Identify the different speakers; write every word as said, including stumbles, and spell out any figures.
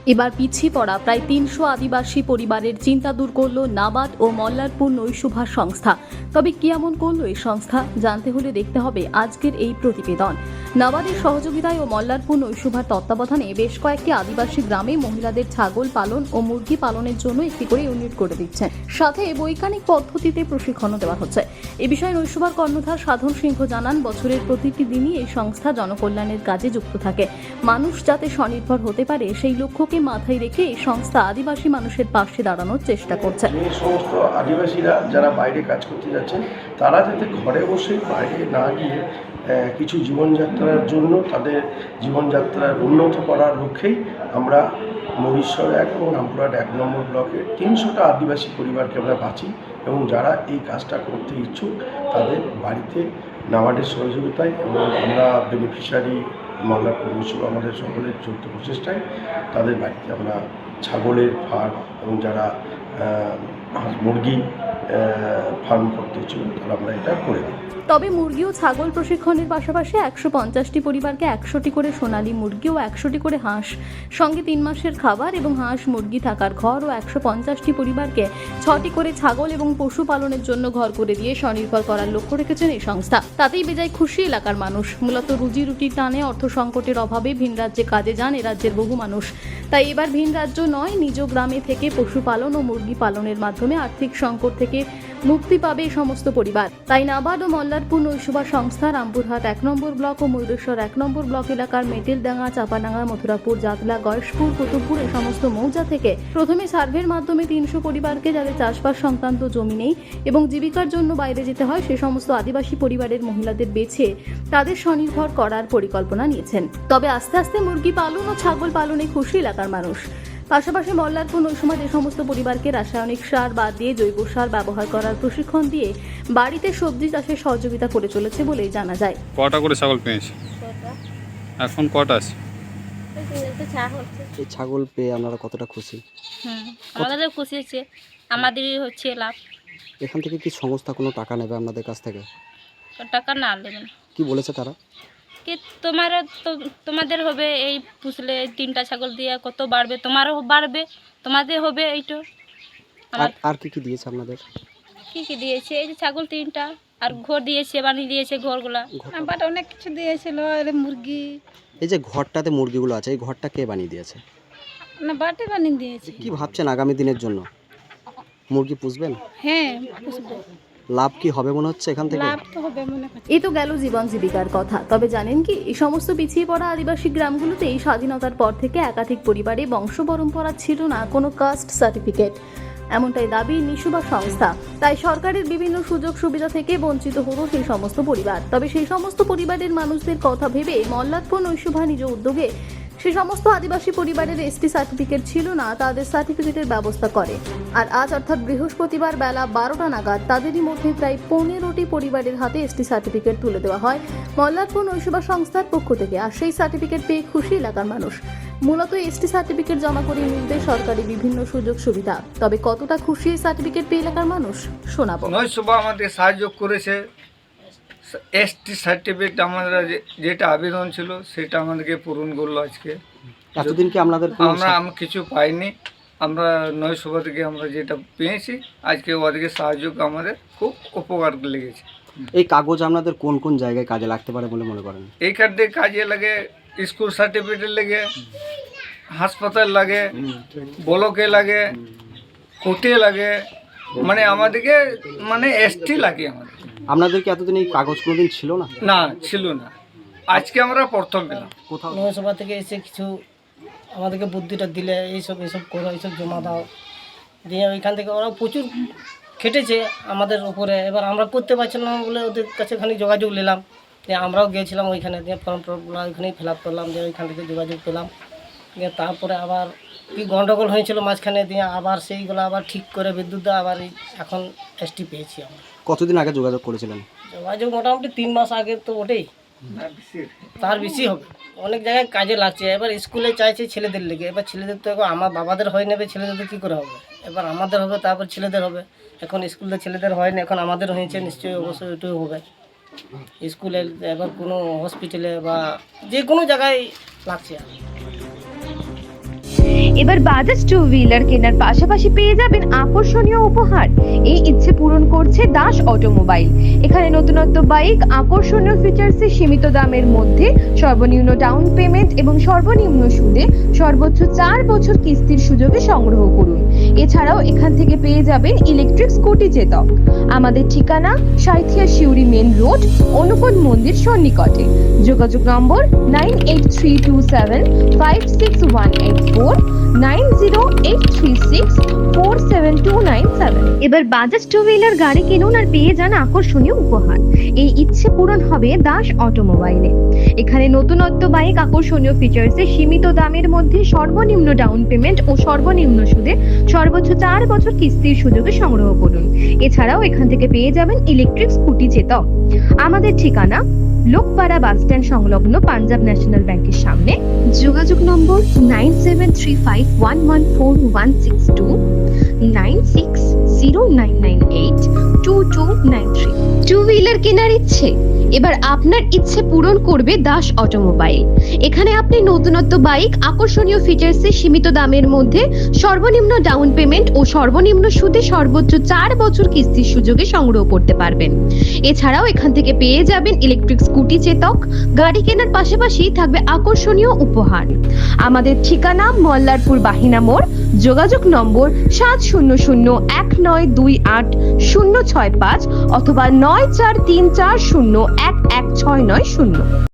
Speaker 1: এবার পিছিয়ে পড়া প্রায় তিনশো আদিবাসী পরিবারের চিন্তা দূর করল নাবার্ড ও মল্লারপুর নৈশুভা সংস্থা। তবে কি এমন করলো এই সংস্থা, জানতে হলে দেখতে হবে আজকের এই প্রতিবেদন। নাবার্ডের সহযোগিতায় ও মল্লারপুর নৈশুভার তত্ত্বাবধানে বেশ কয়েকটি আদিবাসী গ্রামে মহিলাদের ছাগল পালন ও মুরগি পালনের জন্য একটি করে ইউনিট করে দিচ্ছে, সাথে বৈজ্ঞানিক পদ্ধতিতে প্রশিক্ষণও দেওয়া হচ্ছে। এ বিষয়ে নৈশুভার কর্ণধার সাধন সিংহ জানান, বছরের প্রতিটি দিনই এই সংস্থা জনকল্যাণের কাজে যুক্ত থাকে। মানুষ যাতে স্বনির্ভর হতে পারে সেই লক্ষ্য মাথায় রেখে এই সংস্থা আদিবাসী মানুষের পাশে দাঁড়ানোর চেষ্টা করছে।
Speaker 2: এই সমস্ত আদিবাসীরা যারা বাইরে কাজ করতে যাচ্ছেন তারা যাতে ঘরে বসে বাইরে না গিয়ে কিছু জীবনযাত্রার জন্য তাদের জীবনযাত্রার উন্নত করার লক্ষ্যেই আমরা মহিশ্বর এক এবং রামপুরহাট এক নম্বর ব্লকের তিনশোটা আদিবাসী পরিবারকে আমরা বাঁচি এবং যারা এই কাজটা করতে ইচ্ছুক তাদের বাড়িতে নাবার্ডের সহযোগিতায় এবং আমরা বেনিফিশিয়ারি মল্লারপুর নৈশুভা আমাদের সকলের যৌথ প্রচেষ্টায় তাদের বাড়িতে আমরা ছাগলের ফার্ম এবং যারা মুরগি ফার্ম করতে ইচ্ছুক তারা আমরা এটা করে দিই।
Speaker 1: তবে মুরগি ও ছাগল প্রশিক্ষণের পাশাপাশি একশো পঞ্চাশটি পরিবারকে একশোটি করে সোনালী মুরগি ও একশোটি করে হাঁস, সঙ্গে তিন মাসের খাবার এবং হাঁস মুরগি থাকার ঘর ও একশো পঞ্চাশটি পরিবারকে ছটি করে ছাগল এবং পশুপালনের জন্য ঘর করে দিয়ে স্বনির্ভর করার লক্ষ্য রেখেছেন এই সংস্থা। তাতেই বেজায় খুশি এলাকার মানুষ। মূলত রুজি রুটির টানে অর্থ সংকটের অভাবে ভিন রাজ্যে কাজে যান এ রাজ্যের বহু মানুষ। তাই এবার ভিন রাজ্য নয়, নিজ গ্রামে থেকে পশুপালন ও মুরগি পালনের মাধ্যমে আর্থিক সংকট থেকে মুক্তি পাবে এই সমস্ত পরিবার। তাই নাবার্ড ও মল্লারপুর নৈশুভা সংস্থা রামপুরহাট এক নম্বর ব্লক ও ময়ূরেশ্বর এক নম্বর ব্লক এলাকার মেটেলডাঙ্গা, চাপাডাঙ্গা, মথুরাপুর, জাতলা, গয়েশপুর, কুতুবপুর এই সমস্ত মৌজা থেকে প্রথমে সার্ভের মাধ্যমে তিনশো পরিবারকে, যাদের চাষবাস সংক্রান্ত জমি নেই এবং জীবিকার জন্য বাইরে যেতে হয়, সে সমস্ত আদিবাসী পরিবারের মহিলাদের বেছে তাদের স্বনির্ভর করার পরিকল্পনা নিয়েছেন। তবে আস্তে আস্তে মুরগি পালন ও ছাগল পালনে খুশি এলাকার মানুষ। পাশাপাশি মল্লারপুর নৈশুভা যে সমস্ত পরিবারকে রাসায়নিক সার বাদ দিয়ে জৈব সার ব্যবহার করার প্রশিক্ষণ দিয়ে বাড়িতে সবজি চাষে সহযোগিতা করে চলেছে বলেই জানা যায়।
Speaker 3: কটা করে ছাগল পেয়েছে এখন? কটা আছে?
Speaker 4: এই ছাগল পেয়ে আপনারা কতটা খুশি?
Speaker 5: হুম, আমাদের খুশি হচ্ছে, আমাদেরই হচ্ছে লাভ।
Speaker 4: এখান থেকে কি সংস্থা কোনো টাকা নেবে আপনাদের কাছ থেকে?
Speaker 5: টাকা না নেবেন।
Speaker 4: কি বলেছে তারা?
Speaker 5: কি তোমার তো তোমাদের হবে, এই পুষলে তিনটা ছাগল দিয়ে কত বাড়বে, তোমারও বাড়বে, তোমাদের হবে এইটো।
Speaker 4: আর আর কি কি দিয়েছে আপনাদের?
Speaker 5: কি কি দিয়েছে? এই যে ছাগল তিনটা, আর ঘর দিয়েছে, বানিয়ে দিয়েছে ঘরগুলা, বাট অনেক কিছু দিয়েছিল। আর মুরগি,
Speaker 4: এই যে ঘরটাতে মুরগিগুলো আছে, এই ঘরটা কে বানিয়ে দিয়েছে?
Speaker 5: না বাটে বানিয়ে দিয়েছে।
Speaker 4: কি ভাবছেন আগামী দিনের জন্য? মুরগি পুষবেন?
Speaker 5: হ্যাঁ পুষবো।
Speaker 4: লাভ কি হবে মনে হচ্ছে এখান থেকে?
Speaker 5: লাভ তো হবে মনে হচ্ছে।
Speaker 1: এই তো গেল জীবন জীবিকার কথা। তবে জানেন কি, এই সমস্ত পিছিয়ে পড়া আদিবাসী গ্রামগুলোতে এই স্বাধীনতার পর থেকে একাধিক পরিবারে বংশ পরম্পরা ছিল না কোনো কাস্ট সার্টিফিকেট, এমনটাই দাবি নৈশুভা সংস্থা। তাই সরকারের বিভিন্ন সুযোগ সুবিধা থেকে বঞ্চিত হলো সেই সমস্ত পরিবার। তবে সেই সমস্ত পরিবারের মানুষদের কথা ভেবে মল্লারপুর নৈশুভা নিজ উদ্যোগে সে সমস্ত আদিবাসী পরিবারের এসটি সার্টিফিকেট ছিল না, তাদের সার্টিফিকেটের ব্যবস্থা করে। আর আজ অর্থাৎ বৃহস্পতিবার বেলা বারোটা নাগাদ তাদেরই মধ্যে প্রায় পনেরোটি পরিবারের হাতে এসটি সার্টিফিকেট তুলে দেওয়া হয় মল্লারপুর নৈশুভা সংস্থার পক্ষ থেকে। আর সেই সার্টিফিকেট পেয়ে খুশি এলাকার মানুষ। মূলত এসটি সার্টিফিকেট জমা করে মিলবে সরকারি বিভিন্ন সুযোগ সুবিধা। তবে কতটা খুশি এই সার্টিফিকেট পেয়ে এলাকার মানুষ, শোনাবো।
Speaker 6: নৈশুভা আমাদের সাহায্য করেছে। এসটি সার্টিফিকেট আমরা যেটা আবেদন ছিল সেটা আমাদেরকে পূরণ করলো আজকে।
Speaker 4: এতদিন কি আপনাদের
Speaker 6: আমরা আমরা কিছু পাইনি, আমরা নৈশুভা থেকে আমরা যেটা পেয়েছি আজকে ওদেরকে সাহায্য আমাদের খুব উপকার লেগেছে।
Speaker 4: এই কাগজ আপনাদের কোন কোন জায়গায় কাজে লাগতে পারে বলে মনে করেন?
Speaker 6: এইখান থেকে কাজে লাগে, স্কুল সার্টিফিকেট লাগে, হাসপাতাল লাগে, ব্লকে লাগে, কোর্টে লাগে, মানে আমাদেরকে মানে এসটি লাগে আমাদের।
Speaker 4: আপনাদের কি এতদিন এই কাগজ কোনোদিন ছিল না?
Speaker 6: না ছিল না, আজকে আমরা প্রথম পেলাম।
Speaker 4: কোথাও
Speaker 7: নৈশুভা থেকে এসে কিছু আমাদেরকে বুদ্ধিটা দিলে, এইসব এইসব করো, এইসব জমা দাও দিয়ে ওইখান থেকে ওরা প্রচুর খেটেছে আমাদের উপরে। এবার আমরা করতে পারছিলাম না বলে ওদের কাছে খানিক যোগাযোগ নিলাম, দিয়ে আমরাও গিয়েছিলাম ওইখানে, দিয়ে ফর্ম টর্মগুলো ওইখানেই ফিল আপ করলাম, দিয়ে ওইখান থেকে যোগাযোগ পেলাম। দিয়ে তারপরে আবার কি গন্ডগোল হয়েছিল মাঝখানে, দিয়ে আবার সেইগুলো আবার ঠিক করে বিদ্যুৎ দেওয়া, আবার এখন এসটি পেয়েছি আমরা।
Speaker 4: কতদিন আগে যোগাযোগ করেছিলেন?
Speaker 7: যোগাযোগ মোটামুটি তিন মাস আগে তো ওঠেই, তার বেশি হবে। অনেক জায়গায় কাজে লাগছে। এবার স্কুলে চাইছে ছেলেদের লেগে, এবার ছেলেদের তো এখন আমার বাবাদের হয়ে নেবে, ছেলেদের কী করে হবে? এবার আমাদের হবে, তারপর ছেলেদের হবে। এখন স্কুলে ছেলেদের হয়নি, এখন আমাদের হয়েছে, নিশ্চয়ই অবশ্যই ওইটাই হবে। স্কুলে এবার কোনো হসপিটালে বা যে কোনো জায়গায় লাগছে।
Speaker 8: এবার বাজাজ টু হুইলার কেনার পাশাপাশি পেয়ে যাবেন আকর্ষণীয় উপহার। এই ইচ্ছে পূরণ করছে দাস অটোমোবাইল। এখানে নতুনত্ব বাইক, আকর্ষণীয় ফিচার্সে সীমিত দামের মধ্যে সর্বনিম্ন ডাউন পেমেন্ট এবং সর্বনিম্ন সুদে সর্বোচ্চ চার বছর কিস্তির সুযোগে সংগ্রহ করুন। এছাড়াও এখান থেকে পেয়ে যাবেন ইলেকট্রিক স্কুটি চেতক। আমাদের ঠিকানা সাঁইথিয়া শিউরি মেন রোড, অনুকূল মন্দির সন্নিকটে। যোগাযোগ নম্বর nine eight three two seven five six one eight four, nine zero eight three six four seven two nine seven. এবার বাজাজ টু হুইলার গাড়ি কিনুন আর পেয়ে যান আকর্ষণীয় উপহার। এই ইচ্ছে পূরণ হবে দাস অটোমোবাইলে। এখানে নতুনত্ব বাইক, আকর্ষণীয় ফিচার্সে সীমিত দামের মধ্যে সর্বনিম্ন ডাউন পেমেন্ট ও সর্বনিম্ন সুদে সর্বোচ্চ চার বছর কিস্তির সুযোগে সংগ্রহ করুন। এছাড়াও এখান থেকে পেয়ে যাবেন ইলেকট্রিক স্কুটি চেতক। আমাদের ঠিকানা লোকপাড়া বাস স্ট্যান্ড সংলগ্ন পাঞ্জাব ন্যাশনাল ব্যাংকের সামনে। যোগাযোগ নম্বর nine seven three five one one four one six two, nine six zero nine nine eight two two nine three. Two wheeler কেনার ইচ্ছে? এবার আপনার ইচ্ছে পূরণ করবে দাস অটোমোবাইল। এখানে আপনি নতুনত্ব বাইক, আকর্ষণীয় ফিচার্সে সীমিত দামের মধ্যে সর্বনিম্ন ডাউন পেমেন্ট ও সর্বনিম্ন সুদে সর্বোচ্চ চার বছর কিস্তির সুযোগে সংগ্রহ করতে পারবেন। এছাড়াও এখান থেকে পেয়ে যাবেন ইলেকট্রিক স্কুটি চেতক। গাড়ি কেনার পাশাপাশি থাকবে আকর্ষণীয় উপহার। আমাদের ঠিকানা মল্লারপুর বাহিনা মোড়। যোগাযোগ নম্বর সাত শূন্য শূন্য এক নয় দুই আট শূন্য ছয় পাঁচ অথবা নয় চার তিন চার শূন্য এক এক ছয় নয় শূন্য।